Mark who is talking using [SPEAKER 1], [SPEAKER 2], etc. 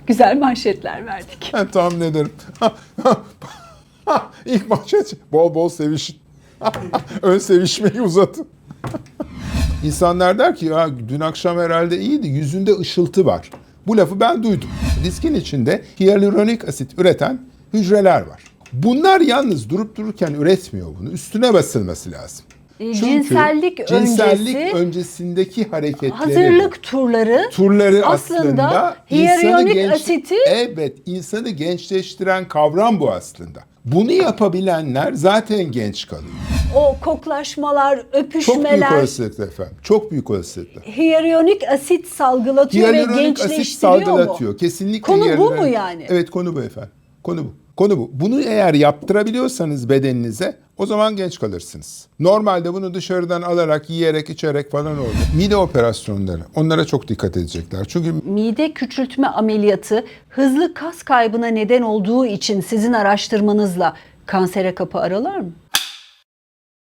[SPEAKER 1] Güzel manşetler verdik.
[SPEAKER 2] Ben tahmin ederim. İlk manşet bol bol sevişin. Ön sevişmeyi uzatın. İnsanlar der ki ya dün akşam herhalde iyiydi, yüzünde ışıltı var. Bu lafı ben duydum. Diskin içinde hyaluronik asit üreten hücreler var. Bunlar yalnız durup dururken üretmiyor bunu. Üstüne basılması lazım. Çünkü
[SPEAKER 1] cinsellik
[SPEAKER 2] öncesindeki hareketleri,
[SPEAKER 1] hazırlık turları
[SPEAKER 2] aslında
[SPEAKER 1] hyaluronik
[SPEAKER 2] insanı
[SPEAKER 1] asiti
[SPEAKER 2] evet, insanı gençleştiren kavram bu aslında. Bunu yapabilenler zaten genç kalıyor.
[SPEAKER 1] o koklaşmalar,
[SPEAKER 2] Çok büyük
[SPEAKER 1] öpüşmeler
[SPEAKER 2] olasılıkla efendim. Çok büyük olasılıkla.
[SPEAKER 1] hyaluronik asit salgılatıyor ve
[SPEAKER 2] Hyaluronik asit
[SPEAKER 1] gençleştiriyor mu?
[SPEAKER 2] salgılatıyor. Kesinlikle.
[SPEAKER 1] Konu bu mu yani?
[SPEAKER 2] Evet, konu bu efendim. Konu bu. Konu bu. Bunu eğer yaptırabiliyorsanız bedeninize o zaman genç kalırsınız. Normalde bunu dışarıdan alarak, yiyerek, içerek falan olur. Mide operasyonları. Onlara çok dikkat edecekler. Çünkü
[SPEAKER 1] Mide küçültme ameliyatı hızlı kas kaybına neden olduğu için sizin araştırmanızla kansere kapı aralar mı?